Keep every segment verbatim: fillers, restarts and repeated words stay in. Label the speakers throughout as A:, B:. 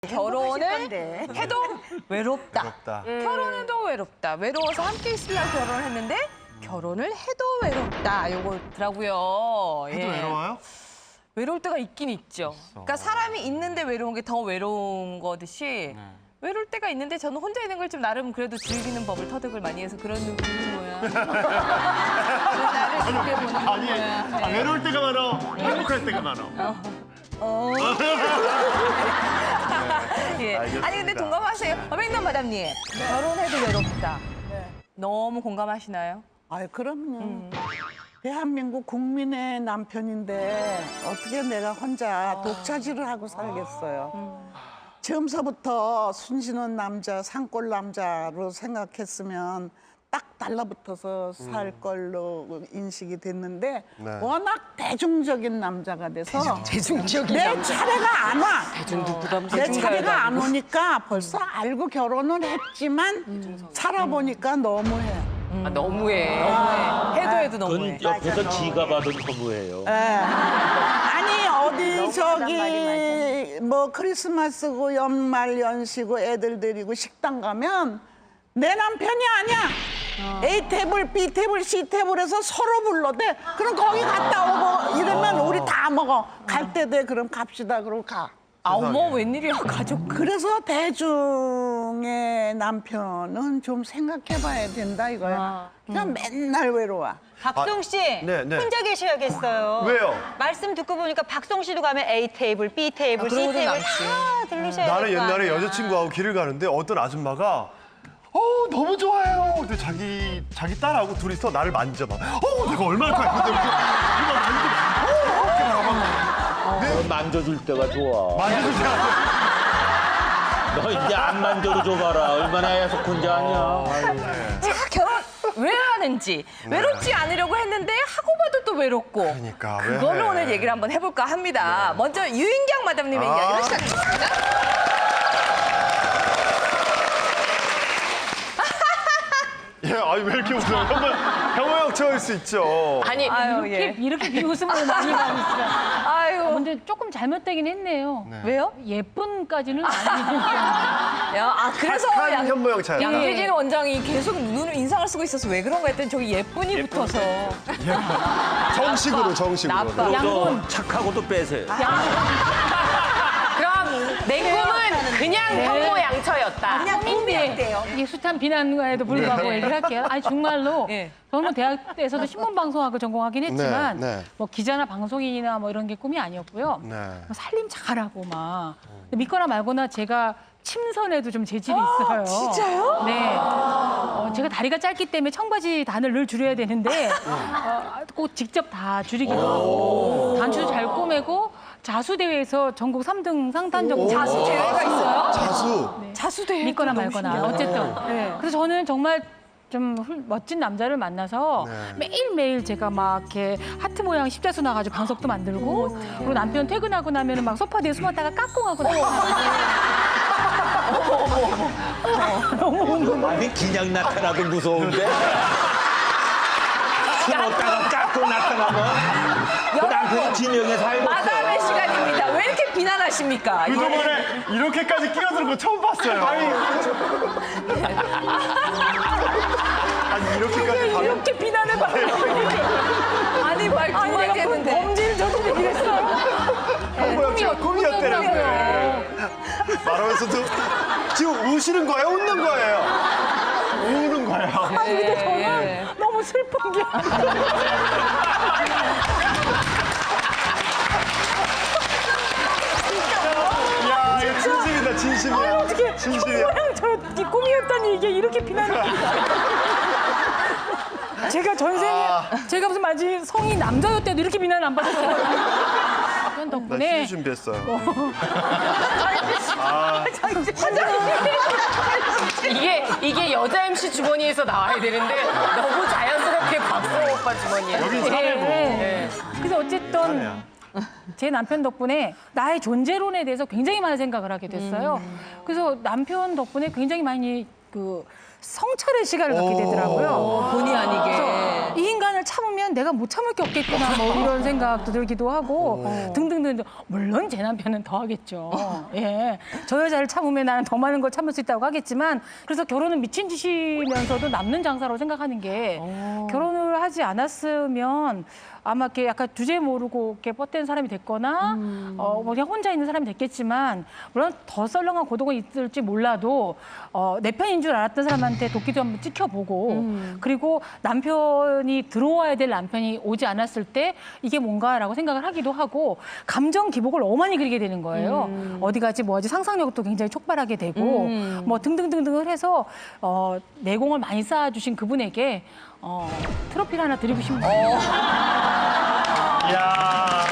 A: 결혼을 해도 외롭다.
B: 외롭다.
A: 음. 결혼해도 외롭다. 외로워서 함께 있으려고 결혼을 했는데 결혼을 해도 외롭다. 요거더라고요.
B: 해도 외로워요?
A: 외로울 때가 있긴 있죠. 그러니까 사람이 있는데 외로운 게 더 외로운 거듯이
B: 네.
A: 외로울 때가 있는데 저는 혼자 있는 걸 좀 나름 그래도 즐기는 법을 터득을 많이 해서 그런 눈이 뭐야. 나를 즐겨보는
B: 아니,
A: 거야.
B: 아, 외로울 때가 많아. 행복할 때가 많아.
A: 어. 어. 예.
B: 알겠습니다.
A: 아니 근데 동감하세요? 백남 마담님. 결혼해도 외롭다. 너무 공감하시나요?
C: 아유, 그럼요.
A: 음.
C: 대한민국 국민의 남편인데 어떻게 내가 혼자 독차지를 하고 살겠어요.
A: 음.
C: 처음서부터 순진한 남자, 산골 남자로 생각했으면 딱 달라붙어서 살 걸로 인식이 됐는데
B: 네.
C: 워낙 대중적인 남자가 돼서
A: 대중적인
C: 내 차례가 안 와.
A: 대중도 부담.
C: 내 차례가 안 오니까 벌써 알고 결혼을 했지만 살아보니까 너무해.
A: 아, 너무해. 너무해. 해도 해도 너무해.
D: 그건 옆에서 지가 봐도 너무해요.
C: 예. 아니 어디 저기 뭐 크리스마스고 연말 연시고 애들 데리고 식당 가면 내 남편이 아니야. A 테이블, B 테이블, C 테이블에서 서로 불러대. 그럼 거기 갔다 오고 이러면 우리 다 먹어. 갈 때 돼. 그럼 갑시다. 그러고 가.
A: 아, 어머, 웬일이야, 가족.
C: 그래서 대중의 남편은 좀 생각해봐야 된다 이거야. 그냥 맨날 외로워.
E: 박송 씨,
B: 네, 네.
E: 혼자 계셔야겠어요.
B: 왜요?
E: 말씀 듣고 보니까 박송 씨도 가면 A 테이블, B 테이블,
A: 아,
E: C
A: 그러고도
E: 테이블
A: 남지.
E: 다 들르셔야
B: 나는
E: 될거
B: 옛날에
E: 아니야.
B: 여자친구하고 길을 가는데 어떤 아줌마가 어 너무 좋아요. 근데 자기 자기 딸하고 둘이서 나를 만져봐. 어 내가 얼마나 좋아했는데 이렇게 만져봐. 어 이렇게 나가.
D: 너 만져줄 때가 좋아.
B: 만져주지 않아.
D: 너 이제 안 만져도 줘봐라. 얼마나 애석한지 아냐.
A: 자, 결혼 왜 하는지. 외롭지 않으려고 했는데 하고 봐도 또 외롭고.
B: 그러니까, 왜
A: 그걸로
B: 해?
A: 오늘 얘기를 한번 해볼까 합니다. 먼저 유인경 마담님의
B: 아.
A: 이야기를 시작하겠습니다.
B: 예, 아니 왜 이렇게 웃어요? 혐오, 혐오형처일 수 있죠.
A: 아니, 아유,
F: 이렇게,
A: 예.
F: 이렇게 비웃음을 많이 받으시죠.
A: 아유,
F: 근데 조금 잘못되긴 했네요.
A: 왜요?
F: 예쁜까지는 아니니까.
A: 야, 아, 그래서
B: 착한
A: 양,
B: 혐오형 차이.
A: 양재진 원장이 계속 눈을 인상을 쓰고 있어서 왜 그런가 했더니 저기 예쁜이 붙어서.
B: 정식으로 정식으로.
A: 나빠.
D: 너
F: 양본.
D: 착하고도 빼세요.
A: 그럼 내 꿈은 그냥 혐오 양처였다.
F: 그냥 꿈이에요. 이게 숱한 비난과에도 불구하고
A: 네.
F: 얘기를 할게요. 아니 정말로
A: 네.
F: 저는 대학 때에서도 신문 방송학을 전공하긴 했지만
B: 네, 네.
F: 뭐 기자나 방송인이나 뭐 이런 게 꿈이 아니었고요.
B: 네.
F: 뭐 살림 잘하고 막 근데 믿거나 말거나 제가 침선에도 좀 재질이 있어요.
A: 진짜요?
F: 네. 어, 제가 다리가 짧기 때문에 청바지 단을 늘 줄여야 되는데 어, 꼭 직접 다 줄이기도 하고 단추도 잘 꼬매고 자수 대회에서 전국 삼 등 상탄 정도
A: 자수 대회가 있어요?
B: 자수.
A: 자수 대회.
F: 믿거나 말거나 어쨌든
A: 네.
F: 그래서 저는 정말 좀 훌- 멋진 남자를 만나서
B: 네.
F: 매일매일 제가 막 이렇게 하트 모양 십자수 나가지고 방석도 만들고 그리고 남편 퇴근하고 나면은 막 소파 뒤에 숨었다가 까꿍하고
D: 아니 그냥 나타나도 무서운데. 숨었다가 깎고 나타나면 그 남편이 진영에 살고
A: 마담의 시간입니다. 왜 이렇게 비난하십니까?
B: 그동안에 이렇게까지 끼어드는 거 처음 봤어요. 아니, 아니 이렇게까지 다.
A: 이렇게 비난을 받는 아니 말
F: 아니 내가 그
A: 그만했는데.
F: 범죄를 저지르긴 했어요.
B: 혐오형처가 꿈이었대라고요. 말하면서도 지금 우시는 거예요? 웃는 거예요? 우는 거예요.
F: 아니 근데 저는
A: 예.
F: 너무 슬픈 게
B: 야, 이거 진심이다, 진심이야.
F: 어떻게
B: 진심이야.
F: 모양 저이 꿈이었다니 이게 이렇게 비난을 제가 전생에
B: 아.
F: 제가 무슨 마치 성이 남자였대도 이렇게 비난 안 받았어요. 그런
B: 나
F: 덕분에
B: 휴지 준비했어요.
A: 이게 이게 여자 엠씨 주머니에서 나와야 되는데 너무 자연스럽게 박수호 오빠 주머니야.
B: 여기 사내고.
F: 네. 그래서 어쨌든 제 남편 덕분에 나의 존재론에 대해서 굉장히 많은 생각을 하게 됐어요. 그래서 남편 덕분에 굉장히 많이 그 성찰의 시간을 갖게 되더라고요.
A: 본의 아니게.
F: 그래서 이 인간을 참으면 내가 못 참을 게 없겠구나 뭐 이런 생각도 들기도 하고 등등등. 물론 제 남편은 더 하겠죠. 예, 저 여자를 참으면 나는 더 많은 걸 참을 수 있다고 하겠지만 그래서 결혼은 미친 짓이면서도 남는 장사라고 생각하는 게 결혼을 하지 않았으면 아마 이렇게 약간 주제 모르고 이렇게 뻗댄 사람이 됐거나 어, 뭐 그냥 혼자 있는 사람이 됐겠지만 물론 더 썰렁한 고독은 있을지 몰라도 어, 내 편인 줄 알았던 사람한테 도끼도 한번 찍혀보고 그리고 남편이 들어와야 될 남편이 오지 않았을 때 이게 뭔가라고 생각을 하기도 하고 감정 기복을 너무 많이 그리게 되는 거예요. 어디 가지 뭐하지 상상력도 굉장히 촉발하게 되고 뭐 등등등등을 해서 어, 내공을 많이 쌓아주신 그분에게 어, 트로피를 하나 드리고 싶네요.
B: 이야.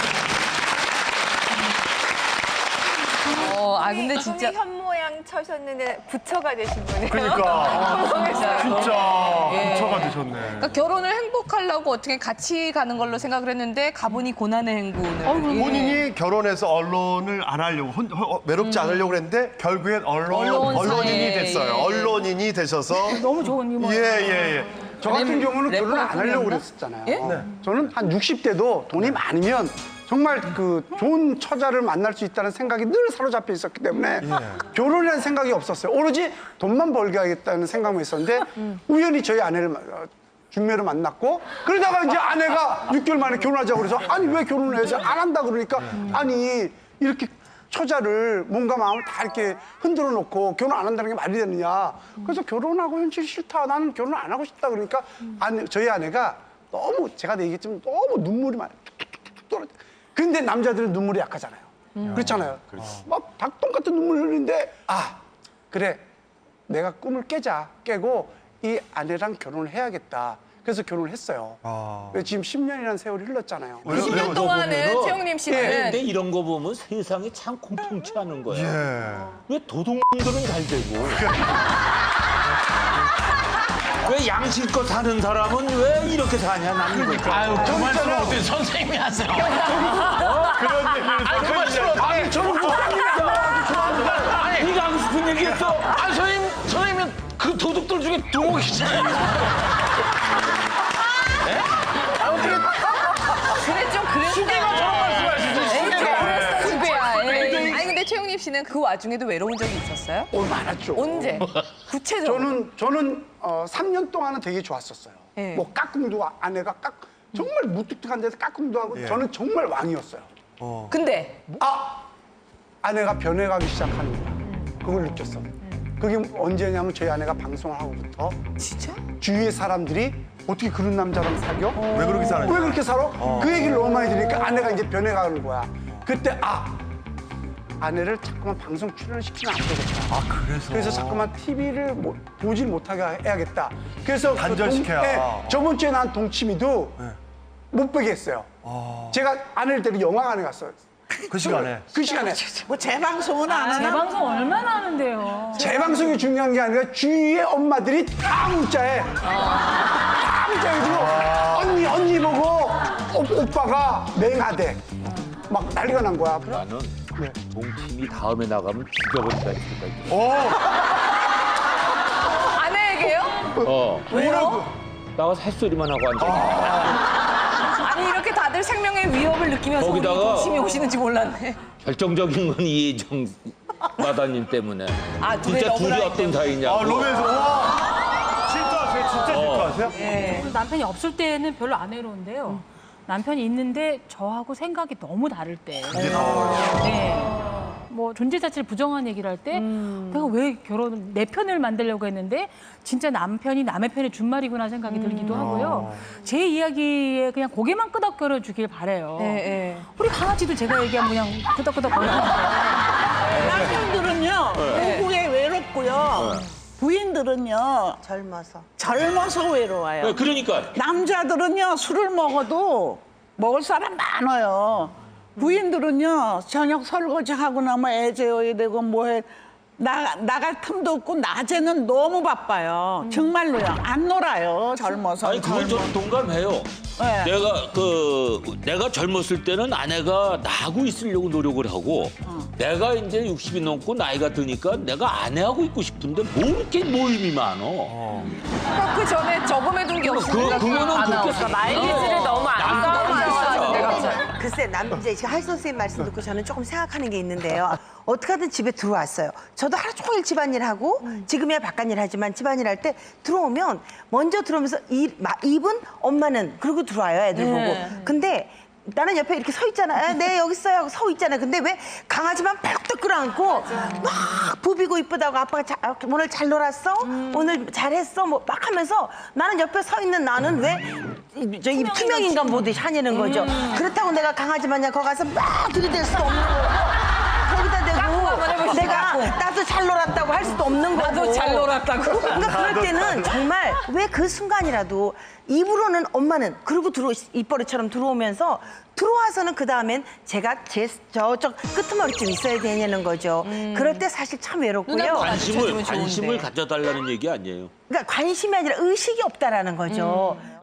A: 어, 아 근데 진짜
G: 현모양 쳐셨는데 부처가 되신 분이에요.
B: 그러니까.
G: 성공했어요.
B: 진짜
A: 예.
B: 부처가 되셨네.
A: 그러니까 결혼을 행복하려고 어떻게 같이 가는 걸로 생각을 했는데 가보니 고난의 행군을. 예.
B: 본인이 결혼해서 언론을 안 하려고 혼, 어, 외롭지 않으려고 했는데 결국엔 언론,
A: 언론사에,
B: 언론인이 됐어요.
A: 예.
B: 언론인이 되셔서
F: 너무 좋은 유머.
B: 예, 예, 예.
H: 저 같은 경우는
A: 래퍼
H: 결혼 안 하려고
A: 꿈이었나?
H: 그랬었잖아요.
A: 예?
H: 네. 저는 한 육십 대도 돈이 많으면 정말 그 좋은 처자를 만날 수 있다는 생각이 늘 사로잡혀 있었기 때문에 결혼이라는 생각이 없었어요. 오로지 돈만 벌게 하겠다는 생각만 있었는데 우연히 저희 아내를 마- 어, 중매로 만났고 그러다가 이제 아내가 육 개월 만에 결혼하자고 그래서 아니 왜 결혼을 해야지 안 한다 그러니까 아니 이렇게 처자를 몸과 마음을 다 이렇게 흔들어 놓고 결혼 안 한다는 게 말이 되느냐. 그래서 결혼하고 현실 싫다. 나는 결혼 안 하고 싶다. 그러니까 아내, 저희 아내가 너무 제가 얘기했지만 너무 눈물이 많이 툭툭툭툭 떨어져. 근데 남자들은 눈물이 약하잖아요. 그렇잖아요. 막 닭똥 같은 눈물 흘리는데 아 그래 내가 꿈을 깨자. 깨고 이 아내랑 결혼을 해야겠다. 그래서 결혼을 했어요.
B: 아.
H: 그래서 지금 십 년이라는 세월이 흘렀잖아요.
B: 왜요?
A: 이십 년
B: 왜요?
A: 동안은
D: 보면은-
A: 최영림 씨는
D: 근데 이런 거 보면 세상이 참 공통치 않은 거야.
B: 예.
D: 왜 도둑들은 잘 되고 왜 양심껏 사는 사람은 왜 이렇게 사냐 나는 거.
I: 아유, 그 말씀을 어떻게 선생님이 하세요?
B: 그런 얘기를
I: 그 말씀을
H: 아니 저는 좋아합니다.
I: 아니,
D: 네가 하고 싶은 얘기 했어.
I: 아, 선생님, 선생님은 그 도둑들 중에 두목이잖아요.
A: 그래 좀 그랬어.
I: 수개가 저런 말씀하실 수 있어요.
A: 그랬어 수배야. 예. 아니 근데 최영림 씨는 그 와중에도 외로운 적이 있었어요?
H: 어, 많았죠.
A: 언제? 구체적으로.
H: 저는 저는 어, 삼 년 동안은 되게 좋았었어요.
A: 예.
H: 뭐 깍꿍도 아- 아내가 깍 정말 무뚝뚝한 데서 깍꿍도 하고
B: 예.
H: 저는 정말 왕이었어요.
A: 근데
H: 아 아내가 변해가기 시작하는 거야. 그걸 느꼈어. 그게 언제냐면 저희 아내가 방송을 하고부터
A: 진짜?
H: 주위의 사람들이 어떻게 그런 남자랑 사겨?
B: 왜 그렇게 사는지.
H: 왜 그렇게 살아? 그 얘기를 너무 많이 들으니까 아내가 이제 변해가는 거야. 그때 아 아내를 자꾸만 방송 출연을 시키면 안 되겠다.
B: 아, 그래서.
H: 그래서 자꾸만 티비를 못, 보질 못하게 해야겠다. 그래서 그
B: 단절시켜야.
H: 동- 네, 저번 주에 난 동치미도 못 보게 했어요. 제가 아내를 데리고 영화관에 갔어요.
B: 그 시간에.
H: 그 시간에.
C: 뭐 재방송은 안
F: 제
C: 하나?
F: 방송 얼마나 하는데요.
H: 재방송이 중요한 게 아니라 주위의 엄마들이 다 문자해. 다 문자해가지고 언니 언니 보고 오, 오빠가 맹하대. 막 난리가 난 거야.
D: 나는 동팀이 다음에 나가면 죽여버린다 했을까.
B: 오!
A: 아내에게요?
D: 어.
A: 왜요?
D: 나가서 햇소리만 하고 앉아.
A: 아니 이렇게 다들 생명의 위협을 느끼면서 우리
D: 거기다가-
A: 동심이 오시는지 몰랐네.
D: 결정적인 건 이혜정 마다님 때문에.
A: 아, 둘의
D: 진짜 둘이
A: 러브라인
D: 어떤 사이냐고.
B: 아, 로맨스. 와! 질투하세요? 진짜 질투하세요?
A: 예.
F: 남편이 없을 때는 별로 안 외로운데요. 남편이 있는데 저하고 생각이 너무 다를 때. 네. 뭐 존재 자체를 부정한 얘기를 할 때 내가 왜 결혼 내 편을 만들려고 했는데 진짜 남편이 남의 편에 준 말이구나 생각이 들기도 하고요. 제 이야기에 그냥 고개만 끄덕거려 주길 바래요.
A: 예, 예.
F: 우리 강아지도 제가 얘기하면 그냥 끄덕끄덕 거리는데
C: 남편들은요 부부에 외롭고요. 부인들은요
G: 젊어서.
C: 젊어서 외로워요.
D: 네, 그러니까
C: 남자들은요 술을 먹어도 먹을 사람 많아요. 부인들은요 저녁 설거지 하고 나면 애 재워야 되고 뭐해 나, 나갈 틈도 없고 낮에는 너무 바빠요. 정말로요. 안 놀아요. 젊어서.
D: 아니 그건 좀 동감해요.
C: 네.
D: 내가 그 내가 젊었을 때는 아내가 나하고 있으려고 노력을 하고 내가 이제 육십이 넘고 나이가 드니까 내가 아내하고 있고 싶은데 뭐 이렇게 모임이 많어.
A: 그 전에 저금해둔 게 없으니까
D: 그- 그거는
A: 안
D: 그렇게
A: 나오니까 마일리지를
D: 어.
A: 너무 안 가져왔는데 갑자기.
J: 글쎄 남자 지금 할 선생님 말씀 듣고 저는 조금 생각하는 게 있는데요. 어떻게 하든 집에 들어왔어요. 저도 하루 종일 집안일 하고 지금이야 바깥일 하지만 집안일 할 때 들어오면 먼저 들어오면서 이, 마, 입은 엄마는 그러고 들어와요. 애들
A: 네.
J: 보고. 근데 나는 옆에 이렇게 서 있잖아요. 네 여기 있어요 하고 서 있잖아요. 근데 왜 강아지만 펄떡 끌어안고 막 부비고 이쁘다고 아빠가 자, 오늘 잘 놀았어? 오늘 잘했어? 뭐 막 하면서 나는 옆에 서 있는 나는 왜 저 이 투명 인간 보듯이 하냐는 거죠. 그렇다고 내가 강아지 마냥 거기 가서 막 들이댈 수 없는 거고 거기다 대고 내가 나도 잘 놀았다고 할 수도 없는 거고
A: 나도 잘 놀았다고.
J: 그러니까 그럴 때는 정말 왜 그 순간이라도 입으로는 엄마는 그러고 들어 입버릇처럼 들어오면서 들어와서는 그 다음엔 제가 제 저쪽 끄트머리쯤 있어야 되냐는 거죠. 그럴 때 사실 참 외롭고요.
A: 누나도
D: 관심을
A: 가르쳐주면
D: 관심을
A: 좋은데.
D: 가져달라는 얘기 아니에요.
J: 그러니까 관심이 아니라 의식이 없다라는 거죠.